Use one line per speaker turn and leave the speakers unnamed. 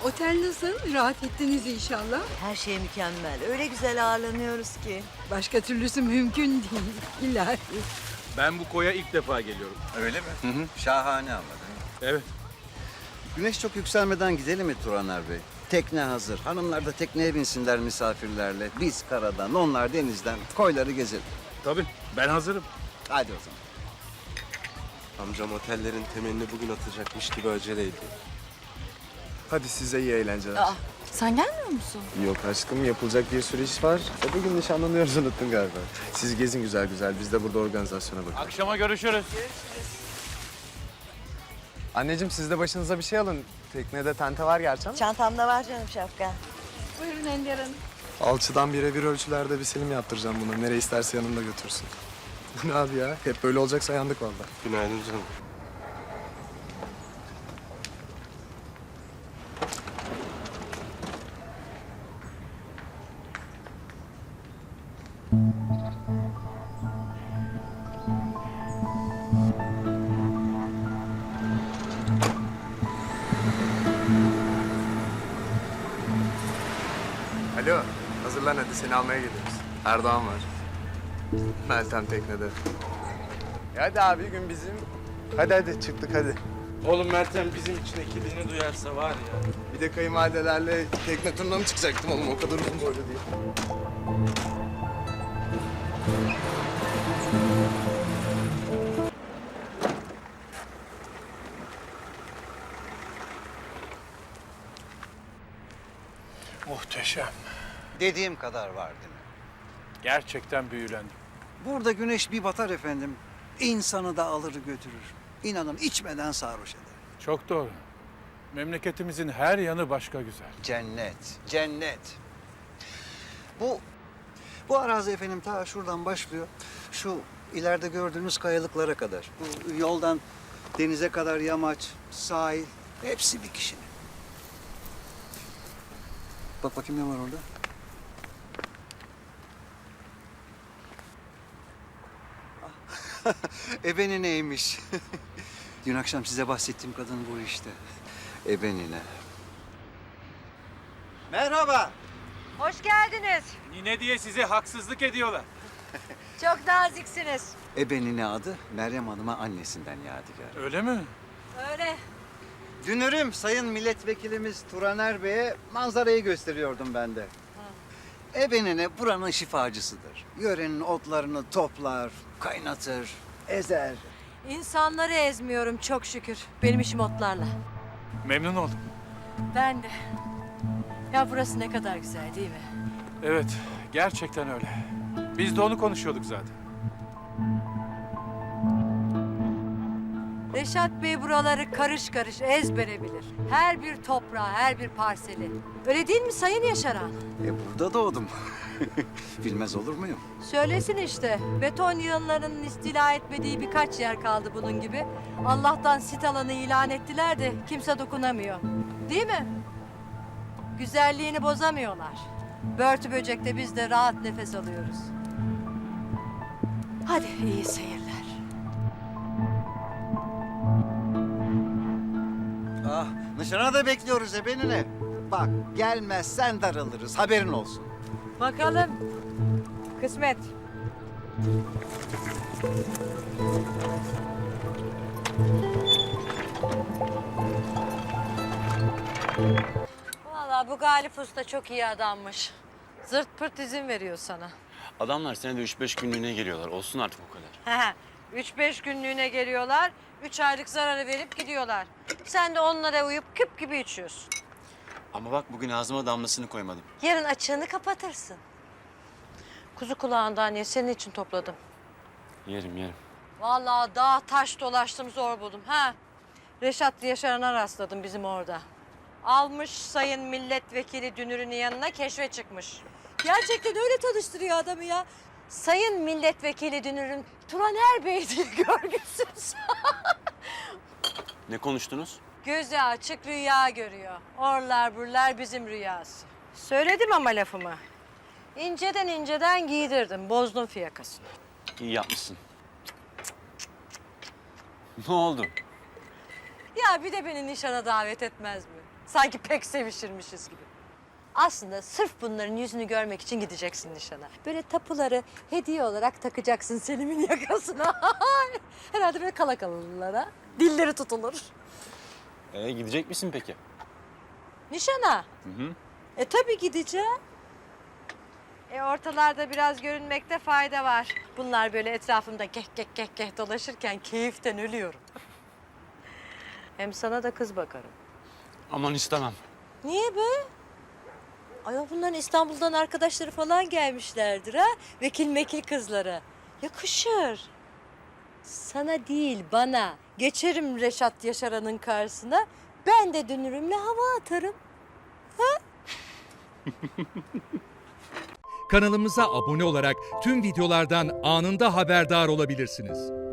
Otel nasıl? Rahat ettiniz inşallah.
Her şey mükemmel. Öyle güzel ağırlanıyoruz ki.
Başka türlüsü mümkün değil. İlahi.
Ben bu koya ilk defa geliyorum.
Öyle mi? Şahane ama değil mi?
Evet.
Güneş çok yükselmeden gidelim mi Turaner Bey? Tekne hazır. Hanımlar da tekneye binsinler misafirlerle. Biz karadan, onlar denizden koyları gezelim.
Tabii. Ben hazırım.
Hadi o zaman.
Amcam otellerin temelini bugün atacakmış gibi aceleydi. Hadi size iyi eğlenceler.
Aa, sen gelmiyor musun?
Yok aşkım, yapılacak bir sürü iş var. Bugün nişanlanıyoruz, unuttun galiba. Siz gezin güzel güzel, biz de burada organizasyona bakalım.
Akşama görüşürüz.
Anneciğim siz de başınıza bir şey alın. Teknede tente var gerçi ama.
Çantamda var canım şapka.
Buyurun Ender Hanım.
Alçıdan birebir ölçülerde bir selim yaptıracağım buna. Nereye isterse yanında götürsün. Ne abi ya? Hep böyle olacaksa yandık vallahi. Günaydın canım. Alo, hazırlan hadi seni almaya geliyoruz. Erdoğan var. Meltem teknede. Hadi abi gün bizim. Hadi çıktık hadi.
Oğlum Meltem bizim için ekibini duyarsa var ya.
Bir de kayınvalidelerle tekne turuna mı çıkacaktım oğlum? O kadar uzun boylu değil.
Muhteşem.
Dediğim kadar var değil mi?
Gerçekten büyülendim.
Burada güneş bir batar efendim. İnsanı da alır götürür. İnanın içmeden sarhoş eder.
Çok doğru. Memleketimizin her yanı başka güzel.
Cennet, cennet. Bu arazi efendim ta şuradan başlıyor. Şu ileride gördüğünüz kayalıklara kadar. Bu yoldan denize kadar yamaç, sahil hepsi bir kişinin. Bak bakayım ne var orada? Ebeni neymiş? Dün akşam size bahsettiğim kadın bu işte. Ebenine. Merhaba.
Hoş geldiniz.
Nine diye size haksızlık ediyorlar.
Çok naziksiniz.
Ebenine adı Meryem Hanım'a annesinden yadigar.
Öyle mi?
Öyle.
Dünürüm Sayın Milletvekilimiz Turaner Bey'e manzarayı gösteriyordum ben de. Ebenine buranın şifacısıdır. Yörenin otlarını toplar, kaynatır, ezer.
İnsanları ezmiyorum çok şükür. Benim işim otlarla.
Memnun oldum.
Ben de. Ya burası ne kadar güzel değil mi?
Evet, gerçekten öyle. Biz de onu konuşuyorduk zaten.
Reşat Bey buraları karış karış ezbere bilir. Her bir toprağı, her bir parseli. Öyle değil mi Sayın Yaşaran?
Burada doğdum. Bilmez olur muyum?
Söylesin işte. Beton yığınlarının istila etmediği birkaç yer kaldı bunun gibi. Allah'tan sit alanı ilan ettiler de kimse dokunamıyor. Değil mi? Güzelliğini bozamıyorlar. Börtü böcekte biz de rahat nefes alıyoruz. Hadi iyi seyirler.
Ah, nişana da bekliyoruz Ebenine. Bak, gelmezsen daralırız, haberin olsun.
Bakalım. Kısmet. Vallahi bu Galip Usta çok iyi adammış. Zırt pırt izin veriyor sana.
Adamlar senede 3-5 günlüğüne geliyorlar. Olsun artık o kadar.
3-5 günlüğüne geliyorlar, 3 aylık zararı verip gidiyorlar. Sen de onlara uyup küp gibi içiyorsun.
Ama bak bugün ağzıma damlasını koymadım.
Yarın açığını kapatırsın. Kuzu kulağından ye, senin için topladım.
Yerim yerim.
Vallahi dağ taş dolaştım zor buldum. Reşat Yaşaran'a rastladım bizim orada. Almış sayın milletvekili Dünür'ün yanına keşfe çıkmış. Gerçekten öyle tanıştırıyor adamı ya. Sayın milletvekili Dünür'ün Turaner Bey diye görgüsüz.
Ne konuştunuz?
Gözü açık rüya görüyor. Orlar burlar bizim rüyası. Söyledim ama lafımı. İnceden inceden giydirdim. Bozdum fiyakasını.
İyi yapmışsın. Ne oldu?
Ya bir de beni nişana davet etmez mi? Sanki pek sevişirmişiz gibi. Aslında sırf bunların yüzünü görmek için gideceksin nişana. Böyle tapuları hediye olarak takacaksın Selim'in yakasına. Herhalde böyle kala kalırlara. Dilleri tutulur.
Gidecek misin peki?
Nişana?
Hı.
Tabii gideceğim. Ortalarda biraz görünmekte fayda var. Bunlar böyle etrafımda geh geh geh geh dolaşırken keyiften ölüyorum. Hem sana da kız bakarım.
Aman istemem.
Niye be? Ay bunların İstanbul'dan arkadaşları falan gelmişlerdir ha. Vekil mekil kızları. Yakışır. Sana değil bana. Geçerim Reşat Yaşaran'ın karşısına. Ben de dönürümle hava atarım.
Kanalımıza abone olarak tüm videolardan anında haberdar olabilirsiniz.